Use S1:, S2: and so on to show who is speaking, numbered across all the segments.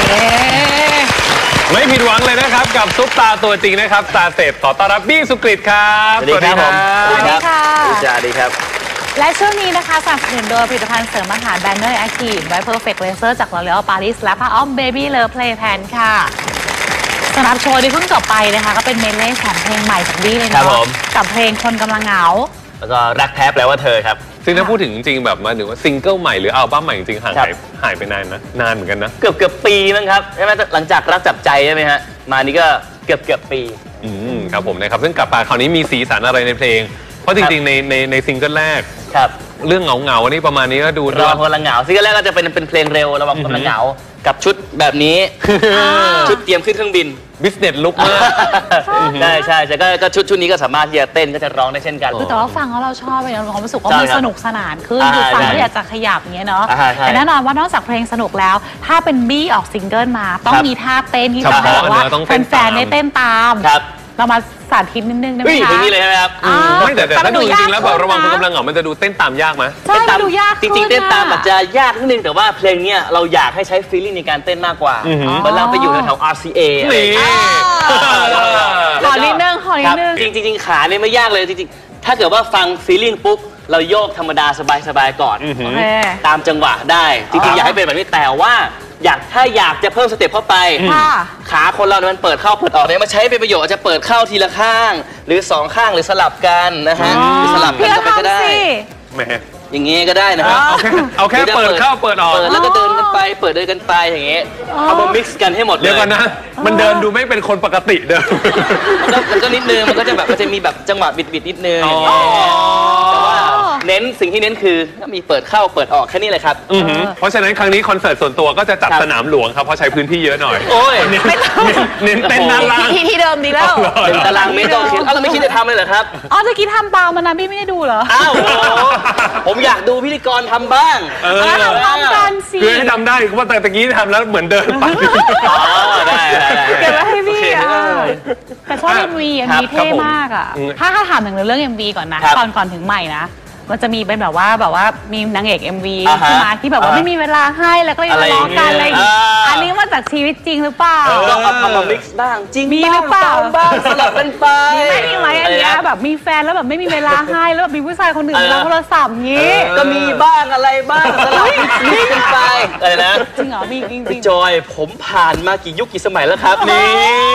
S1: ไม่ผิดหวังเลยนะครับกับซุปตาตัวจริงนะครับตาเศษขอต้อนรับบี้สุกฤตครับ
S2: สวัสดีครับสวัสดีค่ะสวัสดีครับ
S3: และช่วงนี้นะคะสนับสนุนโดยผลิตภัณฑ์เสริมอาหารแบนเนอร์แอคทีฟไวท์เพอร์เฟกต์เลเซอร์จาก L'Oréal Paris และผ้าอ้อม Baby Love Play Pan ค่ะสำหรับโชว์ที่เพิ่งจบไปนะคะก็เป็นเมดเล่3เพลงใหม่จากบี้เลยเนาะกับเพลงคนกำลังเหงา
S2: แล้วก็รักแท้แปลว่าเธอครับ
S1: ซึ่งถ้าพูดถึงจริงแบบมาถึงว่าซิงเกิลใหม่หรืออัลบั้มใหม่จริงๆหายไปนานนะนานเหมือนกันนะ
S2: เกือบปีมั้งครับใช่ไหมหลังจากรักจับใจใช่ไหมฮะมานี่ก็เกือบปี
S1: ครับผมนะครับซึ่งกลับมาคราวนี้มีสีสันอะไรในเพลงเพราะจริงๆในซิงเกิลแรก
S2: ครับ
S1: เรื่องเหงาๆนี่ประมาณนี้ก็ดู
S2: ระวังคนละเหงาซิงเกิลแรกก็จะเป็นเพลงเร็วระวังคนละเหงากับชุดแบบนี้ชุดเตรียมขึ้นเครื่องบิน
S1: บิสเนสลุกมาก
S2: ใช่ก็ชุดนี้ก็สามารถที่จะเต้นก็จะร้องได้เช่นกัน
S3: แต่ว่าฟังแล้วเราชอบไปเราความรู้สึกว่ามันสนุกสนานขึ้นคือฟังแล้วอยากจะขยับอย่างเงี้ยเนาะแต่แน่นอนว่านอกจากเพลงสนุกแล้วถ้าเป็นบี้ออกซิงเกิลมาต้องมีท่าเต้นที่ทำให้ว่าแฟนๆได้เต้นตามเรามาสาธิตนิดนึงได้ไหมคะ
S2: อย่างนี้เลยใช่ไหมครับ
S1: ไม่แต่ถ้าดูจริงๆแล้วแบบระวังคนกำลังเหงามันจะดูเต้นตามยากไหม
S3: ใช่ดูยาก
S2: จริงๆเต้นตามอาจจะยากนิดนึงแต่ว่าเพลงนี้เราอยากให้ใช้ฟีลลิ่งในการเต้นมากกว่าเหมือนเราไปอยู่แถว RCA
S3: ขอนิดนึง
S2: จริงขาเนี่ยไม่ยากเลยจริงๆถ้าเกิดว่าฟังฟีลลิ่งปุ๊บเราโยกธรรมดาสบายๆก่อนตามจังหวะได้จริงๆอยากให้เป็นแบบนี้แต่ว่าถ้าอยากจะเพิ่มสเต็ปเข้าไปขาคนเราเนี่ยมันเปิดเข้าเปิดออกเนี่ยมาใช้เป็นประโยชน์อาจจะเปิดเข้าทีละข้างหรือ2ข้างหรือสลับกันนะฮะหรือสลับกันก็ได้อย่างงี้ก็ได้นะครับ
S1: เอาแค่เปิดเข้าเปิดออก
S2: แล้วก็เดินกันไปเปิดเดินกันไปอย่างเงี้ยเอามา mix กันให้หมดเลย
S1: เดี๋ยวก่อนนะมันเดินดูไม่เป็นคนปกติเดิน
S2: มันก็นิดนึงมันก็จะแบบมันจะมีแบบจังหวะบิดนิดนึงแต่ว่าสิ่งที่เน้นคือมีเปิดเข้าเปิดออกแค่นี้เลยครับ
S1: เพราะฉะนั้นครั้งนี้คอนเสิร์ตส่วนตัวก็จะจัดสนามหลวงครับเพราะใช้พื้นที่เยอะหน่อยเน้นเต้นด้านล่าง
S3: ที่เดิมดีแล้ว
S2: ตารางเมตรก็คิดเราไม่คิดจะทำเลยเหรอครับ
S3: จะคิดทำตามมันนะพี่ไม่ได้ดูเหรอ
S2: อ้าวผมอยากดูพิธีกรทำบ้าง
S3: ทำกันสิ
S1: คือให้ทำได้เพราะแต่ตะกี้ทำแล้วเหมือนเดินไป
S2: ได้
S3: เก็บไว้ให้พี่แต่ชอบ MV เท่มากอ่ะถ้าถามถึงเรื่อง MV ก่อนนะก่อนถึงใหม่นะมันจะมีเป็นแบบว่ามีนางเอก MV ขึ้นมาที่แบบว่าไม่มีเวลาให้แล้วก็ยังทะเลาะกันอะไรอย่างงี้อันนี้มาจากชีวิตจริงหรือเปล่า
S2: ก็เอามา mix บ้างจริง
S3: มีหรือเปล่า
S2: บ้างสลับกันไป
S3: มีไหมอันนี้แบบมีแฟนแล้วแบบไม่มีเวลาให้แล้วแบบมีผู้ชายคนอื่นรับโทรศัพท์งี้
S2: ก็มีบ้างอะไรบ้างสลับกันไปอะไรนะ
S3: จริงเหรอมีจริง
S2: จอยผมผ่านมากี่ยุคกี่สมัยแล้วครับนี่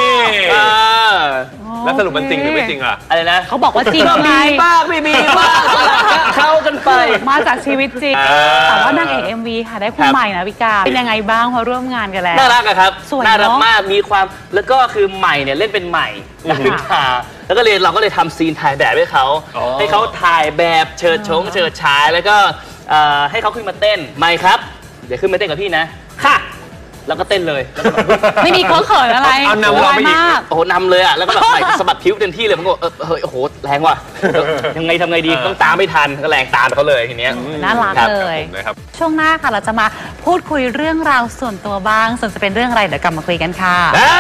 S1: แล้วสรุปมันจริงหรือไม่จริงอ่ะ
S2: อะไรนะ
S3: เขาบอกว่าจริง
S2: มีบ้างไม่มีบ้างเข้ากันไป
S3: มาจากชีวิตจริงแต่ว่านางเอก MV ค่ะได้คุณใหม่นะพี่กาเป็นยังไงบ้างพอร่วมงานกันแล้ว
S2: น่ารักครับน่ารักมากมีความแล้วก็คือใหม่เนี่ยเล่นเป็นใหม่คือขาแล้วก็เราก็เลยทำซีนถ่ายแบบให้เขาถ่ายแบบเฉิดฉายแล้วก็ให้เขาขึ้นมาเต้นใหม่ครับเดี๋ยวขึ้นมาเต้นกับพี่นะค่ะแล้วก็เต้นเลย
S3: ไม่มีเขินอะไร
S1: เอานำเราไม่
S2: มากโอ้โหนำเลยอ่ะแล้วก็แบบใส่สะบัดผิวเต็มที่เลยมันก็เฮ้ยโอ้โหแรงว่ะยังไงทำไงดีต้องตามไม่ทันก็แรงตามเขาเลยทีเนี้ย
S3: น่ารักเลยช่วงหน้าค่ะเราจะมาพูดคุยเรื่องราวส่วนตัวบ้างส่วนจะเป็นเรื่องอะไรเดี๋ยวกลับมาคุยกันค่ะ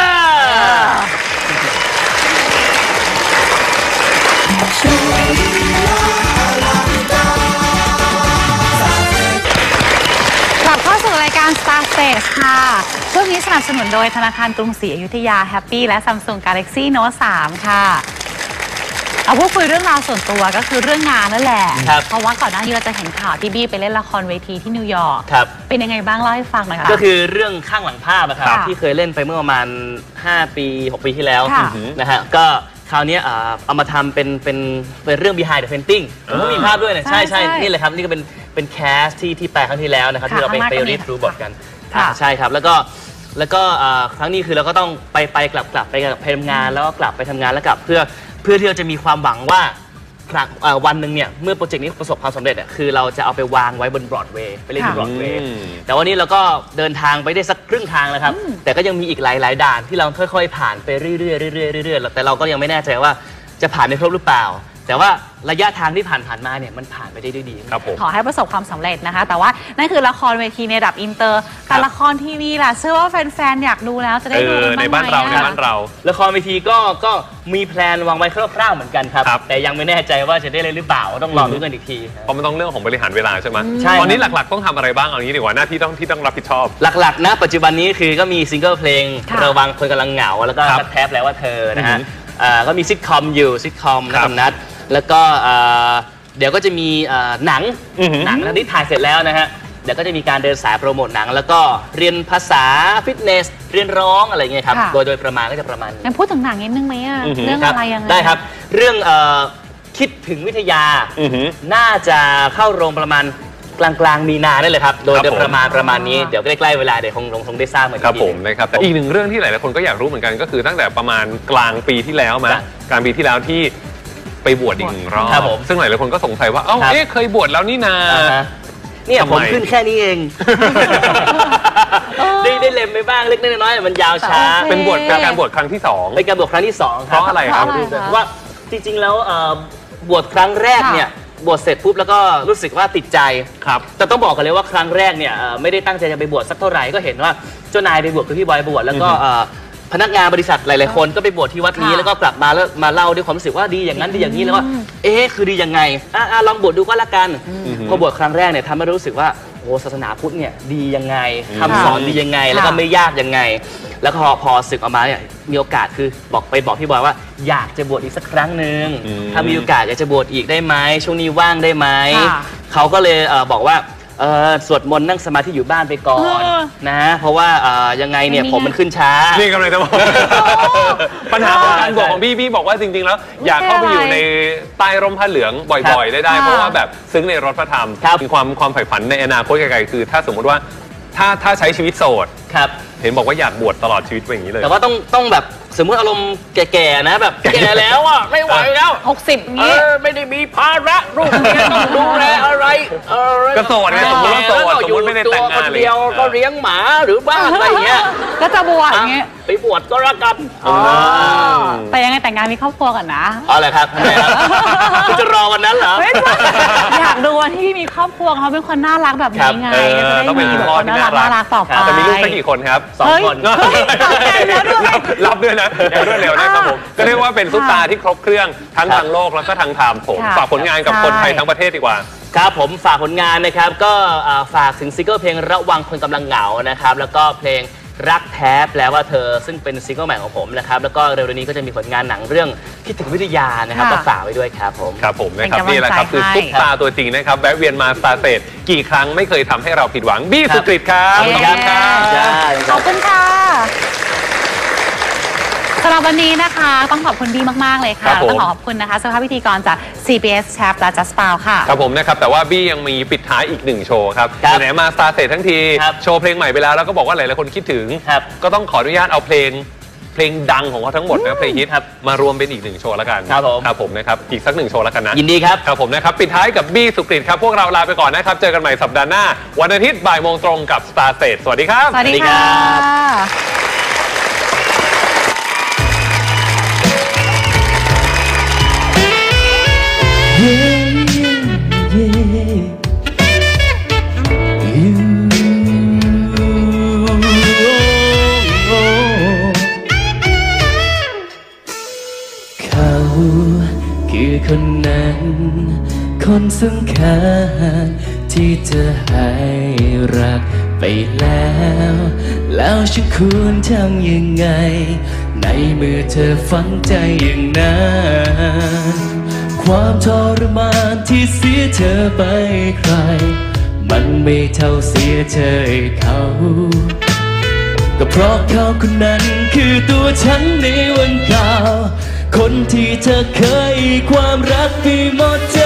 S3: เข้าสู่รายการ Star Stage ค่ะช่วงนี้สนับสนุนโดยธนาคารกรุงศรีอยุธยา Happy และ Samsung Galaxy Note 3 ค่ะเอาพูดคุยเรื่องราวส่วนตัวก็คือเรื่องงานนั่นแหละเพราะว่าก่อนหน้านี้เราจะเห็นข่าวที่บี้ไปเล่นละครเวทีที่นิวยอร์กเป็นยังไงบ้างเล่าให้ฟังหน่อยค่ะ
S2: ก็คือเรื่องข้างหลังภาพนะครับที่เคยเล่นไปเมื่อประมาณ5 ปี 6 ปีที่แล้วนะฮะก็คราวนี้เอามาทำเป็นเรื่อง behind the painting ก็มีภาพด้วยนะใช่นี่เลยครับนี่ก็เป็นแคสที่แปลครั้งที่แล้วนะครับที่เราไปรีดรู้บทกันใช่ครับแล้วก็ครั้งนี้คือเราก็ต้องไปกลับไปทำงานแล้วก็กลับไปทำงานแล้วกลับเพื่อที่เราจะมีความหวังว่าวันหนึ่งเนี่ยเมื่อโปรเจกต์นี้ประสบความสำเร็จคือเราจะเอาไปวางไว้บนบรอดเวย์ไปเล่นบนบรอดเวย์แต่วันนี้เราก็เดินทางไปได้สักครึ่งทางแล้วครับแต่ก็ยังมีอีกหลายด่านที่เราค่อยๆผ่านไปเรื่อยๆแต่เราก็ยังไม่แน่ใจว่าจะผ่านได้ครบหรือเปล่าแต่ว่าระยะทางที่ผ่านมาเนี่ยมันผ่านไปได้ด้วยดี
S1: ครับผม
S3: ขอให้ประสบความสำเร็จนะคะแต่ว่านั่นคือละครเวทีในระดับอินเตอร์แต่ละครทีวีล่ะเชื่อว่าแฟนๆอยากดูแล้วจะได้ดูกันบ้างไหม
S1: ในบ้านเรา
S2: ละครเวทีก็มีแพลนวางไว้คร่าวๆเหมือนกันครับแต่ยังไม่แน่ใจว่าจะได้เล่นหรือเปล่าต้องรอดูกันอีกที
S1: เพราะมันต้องเรื่องของบริหารเวลาใช่ไหมตอนนี้หลักๆต้องทำอะไรบ้างเอางี้ดีกว่าหน้าที่ต้องรับผิดชอบ
S2: หลักๆนะปัจจุบันนี้คือก็มีซิงเกิลเพลงระวังคนกำลังเหงาแล้วก็แทบแล้วว่าเธอนะฮะก็มีซิทคอมอยู่ซิทคอมนะนัดแล้วก็เดี๋ยวก็จะมีหนังที่ถ่ายเสร็จแล้วนะฮะเดี๋ยวก็จะมีการเดินสายโปรโมทหนังแล้วก็เรียนภาษาฟิตเนสเรียนร้องอะไรเงี้ยครับโดยประมาณก็จะประมาณ
S3: งั้นพูดถึงหนังนิดนึงไหมอะเรื่องอะไรยังไง
S2: ได้ครับเรื่องคิดถึงวิทยาน่าจะเข้าโรงประมาณกลางมีนาได้เลยครับโดยประมาณนี้เดี๋ยวใกล้ๆเวลาเดี๋ยวคงได้ทราบเหมือนกัน
S1: ครับผมนะครับแต่อีกหนึ่งเรื่องที่หลายๆคนก็อยากรู้เหมือนกันก็คือตั้งแต่ประมาณกลางปีที่แล้วกลางปีที่แล้วที่ไปบวชอีกหนึ่งรอบซึ่งหลายๆคนก็สงสัยว่าเคยบวชแล้วนี่นา
S2: เนี่ยผมขึ้นแค่นี้เองได้เล็มไปบ้างเล็กน้อยมันยาวช้า
S1: เป็นการบวชครั้งที่2
S2: เป็นการบวชครั้งที่2
S1: เพราะอะไรครับ
S2: เพราะว่าจริงๆแล้วบวชครั้งแรกเนี่ยบวชเสร็จปุ๊บแล้วก็รู้สึกว่าติดใจ
S1: ครับ
S2: แต่ต้องบอกกันเลยว่าครั้งแรกเนี่ยไม่ได้ตั้งใจจะไปบวชสักเท่าไหร่ก็เห็นว่าเจ้านายไปบวชคือพี่บอยบวชแล้วก็พนักงานบริษัทหลายๆคนก็ไปบวชที่วัดนี้แล้วก็กลับมาแล้วมาเล่าด้วยความรู้สึกว่าดีอย่างนั้นดีอย่างนี้แล้วว่าคือดียังไงลองบวชดูก็แล้วกันพอบวชครั้งแรกเนี่ยทำให้รู้สึกว่าโอ้ศาสนาพุทธเนี่ยดียังไงคำสอนดียังไงแล้วก็ไม่ยากยังไงแล้วพอศึกออกมาเนี่ยมีโอกาสคือบอกพี่บอยว่าอยากจะบวชอีกสักครั้งหนึ่งถ้ามีโอกาสอยากจะบวชอีกได้ไหมช่วงนี้ว่างได้ไหมเขาก็เลยบอกว่าสวดมนต์นั่งสมาธิอยู่บ้านไปก่อนนะเพราะว่ายังไงเนี่ยผมมันขึ้นช้า
S1: นี่กำลังจะบอกปัญหาของการบวชของพี่บอกว่าจริงๆแล้วอยากเข้าไปอยู่ในใต้ร่มผ้าเหลืองบ่อยๆได้เพราะว่าแบบซึ้งในรสพระธรรมมีความใฝ่ฝันในอนาคตไกลๆคือถ้าสมมติว่าถ้าใช้ชีวิตโสดเห็นบอกว่าอยากบวชตลอดชีวิตอย่างนี้เลย
S2: แต่ว่าต้องแบบสมมติอารมณ์แก่ๆนะแบบแก่แล้วอ่ะไม่ไหวแล้ว
S3: 60งี้
S2: ไม่ได้มีภาระลูกเมียต้องดูแลอะไร
S1: ก็โสดไงสมมติว่าโสดสมมติไม่ได้แต่งงาน
S2: เดียวก็เลี้ยงหมาหรือบ้านอะไรเงี้ย
S3: ก็จะบวชอย่างเงี้ย
S2: ไปบวชก็รักกัน
S3: แต่ยังไงแต่งงานมีครอบครัวก่อนนะ
S2: อะไรครับคุณจะรอวันนั้นเหรอ
S3: อยากดูวันที่มีครอบครัวเขาเป็นคนน่ารักแบบนี้ไง
S1: ต้องเป็นคุณพ่อที่น่ารัก
S3: ต่อไป
S1: จะมีลูกสักกี่คนครับ
S2: 2 คน
S1: รับด้วยนะรวดเร็วนะครับผมก็เรียกว่าเป็นซุปตาที่ครบเครื่องทั้งทางโลกแล้วก็ทางธรรมผมฝากผลงานกับคนไทยทั้งประเทศดีกว่า
S2: ครับผมฝากผลงานนะครับก็ฝากถึงซิงเกิลเพลงระวังคนกำลังเหงานะครับแล้วก็เพลงรักแท้แปลว่าเธอซึ่งเป็นซิงเกิลใหม่ของผมนะครับแล้วก็เร็วๆนี้ก็จะมีผลงานหนังเรื่องคิดถึงวิทยานะครับก็ฝากไว้ด้วยครับผม
S1: ครับผมนะครับนี่แหละครับคือซุปตาตัวจริงนะครับแวะเวียนมาสตาร์เตจกี่ครั้งไม่เคยทำให้เราผิดหวังบี้สุกฤตครับ
S3: ขอบคุณค่ะสำหรับวันนี้นะคะต้องขอบคุณบี้มากๆเลยค่ะต้องขอบคุณนะคะสภาพพิธีกรจาก CBS Chap และ Just Pal ค่ะ
S1: ครับผมนะครับแต่ว่าบี้ยังมีปิดท้ายอีก1โชว์ครับไหนมาสตาร์เตจทั้งทีโชว์เพลงใหม่ไปแล้วก็บอกว่าหลายๆคนคิดถึงก็ต้องขออนุญาตเอาเพลงดังของเขาทั้งหมดนะเพลงฮิตมารวมเป็นอีก1โชว์แล้วกันครับผมนะครับอีกสัก1โชว์แล้วกันนะ
S2: ยินดีครับ
S1: ครับผมนะครับปิดท้ายกับบี้สุกฤตครับพวกเราลาไปก่อนนะครับเจอกันใหม่สัปดาห์หน้าวันอาทิตย์บ่ายโมงตรงกับ Star Stage สวัสดีครับ
S3: สวัสดีค่ะ
S4: คือคนนั้นคนสำคัญที่เธอให้รักไปแล้วฉันควรทำยังไงในเมื่อเธอฝังใจอย่างนั้นความทรมานที่เสียเธอไปใครมันไม่เท่าเสียเธอเขาก็เพราะเขาคนนั้นคือตัวฉันในวันเก่าคนที่เธอเคยความรักให้หมดใจ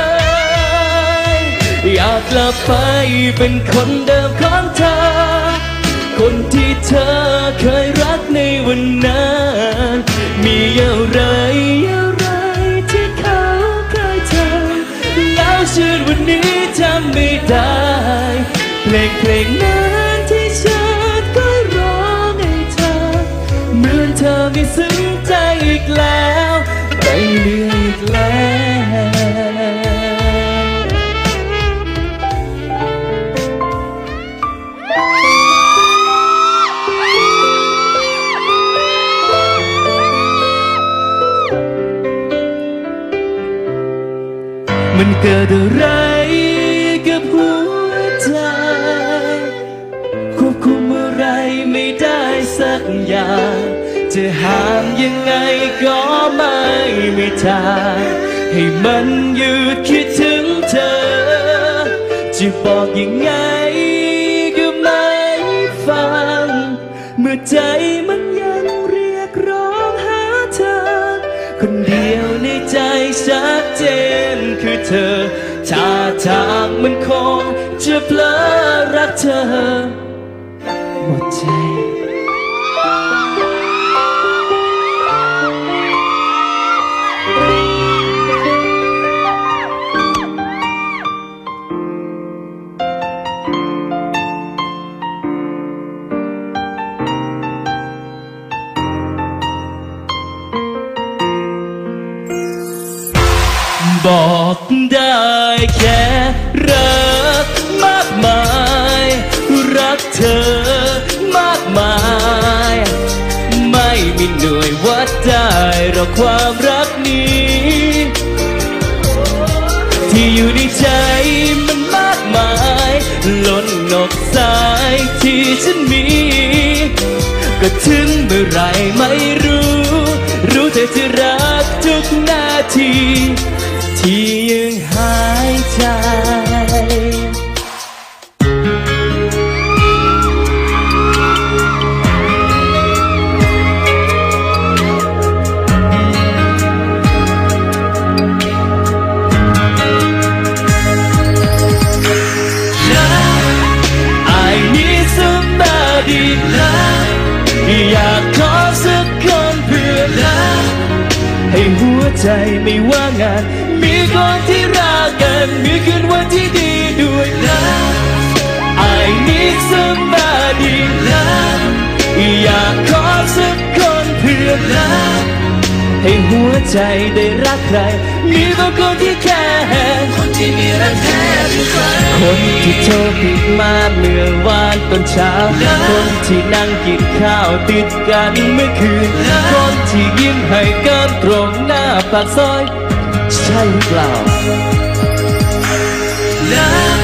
S4: อยากกลับไปเป็นคนเดิมของเธอคนที่เธอเคยรักในวันนั้นมีอะไรที่เขาเคยทำแล้วชื่นวันนี้จำไม่ได้เพลงนั้นที่ฉันก็ร้องให้เธอเหมือนเธอไม่ซึ้งใจอีกแล้วไม่เหลืออีกแล้วมันเกิดอะไรกับหัวใจควบคุมอะไรไม่ได้สักอย่างจะห้ามยังไงก็ไม่มีทางให้มันหยุดคิดถึงเธอจะบอกยังไงก็ไม่ฟังเมื่อใจมันยังเรียกร้องหาเธอคนเดียวในใจชัดเจนคือเธอท่าทางมันคงจะเพลอรักเธอหมดใจบอกได้แค่รักมากมายรักเธอมากมายไม่มีหน่วยวัดได้หรอกความรักนี้ที่อยู่ในใจมันมากมายล้นนกสายที่ฉันมีก็ถึงเมื่อไรไม่รู้แต่จะรักทุกนาทีที่ยังหายใจอยากขอสักคนเพื่อรักให้หัวใจไม่ว่างงานมีคนที่รักกันมีคืนวันที่ดีด้วยนะ I need somebody อยากขอสักคนเพื่อรักให้หัวใจได้รักใครมีบางคนที่แค่คนที่มีรักแท้เป็นใครคนที่โทรผิดมาเมื่อวานตอนเช้าคนที่นั่งกินข้าวติดกันเมื่อคืนคนที่ยิ้มให้กันตรงหน้าปากซอยใช่หรือเปล่า